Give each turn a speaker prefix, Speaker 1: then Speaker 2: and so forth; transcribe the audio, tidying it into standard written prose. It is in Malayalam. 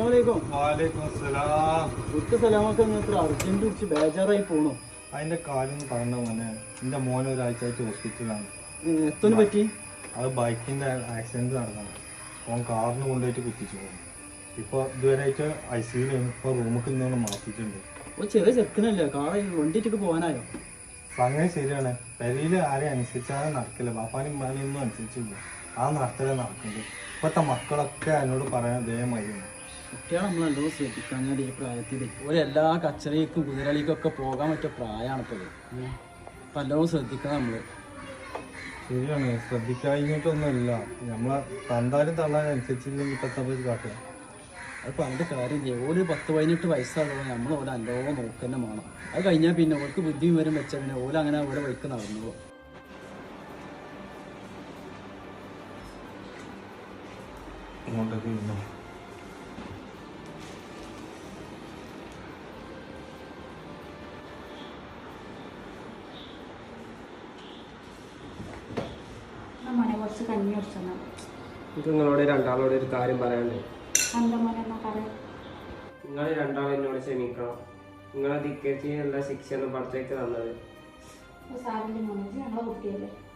Speaker 1: അർജന്റ് പിടിച്ച് ബേജാറായി പോണോ?
Speaker 2: അതിന്റെ കാര്യം പറഞ്ഞ മോനെ, എന്റെ മോനെ ഒരാഴ്ചയായിട്ട് ഹോസ്പിറ്റലാണ്.
Speaker 1: എത്തോന് പറ്റി?
Speaker 2: അത് ബൈക്കിന്റെ ആക്സിഡന്റ് നടക്കണം. ഓൻ കാറിന് കൊണ്ടുപോയിട്ട് കുത്തിച്ചു പോകും. ഇപ്പൊ ഇതുവരെയായിട്ട് ICU ഇപ്പൊ റൂമിൽ ഇന്നോണ്ട് മാറ്റിയിട്ടുണ്ട്.
Speaker 1: ചെറിയ ചെറുക്കനല്ലേ, കാറ് വണ്ടിയിട്ടൊക്കെ പോകാനായോ?
Speaker 2: സംഗതി ശരിയാണ്. പെരയില് ആരെയും അനുസരിച്ചാണ് നടക്കില്ല. ബാപ്പാനും ഉമ്മാനും ഒന്നും അനുസരിച്ചില്ല. ആ നടത്തലേ നടക്കുന്നത്. ഇപ്പത്തെ മക്കളൊക്കെ എന്നോട് പറയാൻ ദയമായിരുന്നു.
Speaker 1: കുട്ടികളെ നമ്മൾ നല്ലോണം ശ്രദ്ധിക്കാൻ ഈ പ്രായത്തിൽ എല്ലാ കച്ചറയ്ക്കും കുതിരളിക്കൊക്കെ പോകാൻ പറ്റിയ പ്രായമാണ് ഇപ്പോൾ. അപ്പം നല്ലോണം ശ്രദ്ധിക്കണം നമ്മൾ.
Speaker 2: ശരിയാണ്, ശ്രദ്ധിക്കാഞ്ഞിട്ടൊന്നുമില്ല. നമ്മളെ തന്താലും തള്ളാനും അനുസരിച്ചില്ലെങ്കിൽ ഇപ്പത്തെ കാട്ടുക.
Speaker 1: അത് പറഞ്ഞിട്ട് കാര്യമില്ല. ഓര് 10-18 വയസ്സാകുമ്പോൾ നമ്മൾ ഓരോ നല്ലോണം നോക്കന്നെ വേണം. അത് കഴിഞ്ഞാൽ പിന്നെ ഓർക്ക് ബുദ്ധിയും വരും വെച്ചാൽ പിന്നെ ഓല അങ്ങനെ ഓരോ വഴിക്ക് നടന്നു.
Speaker 3: നിങ്ങളോട് രണ്ടാളോട് ഒരു കാര്യം പറയാനുണ്ട്. നിങ്ങൾ രണ്ടാളും എന്നോട് ക്ഷമിക്കണം. നിങ്ങളെ ധിക്കരിച്ചുള്ള ശിക്ഷയാണ് പുറത്തേക്ക് തന്നത്.
Speaker 4: ഞങ്ങളെ കുട്ടിയല്ലേ.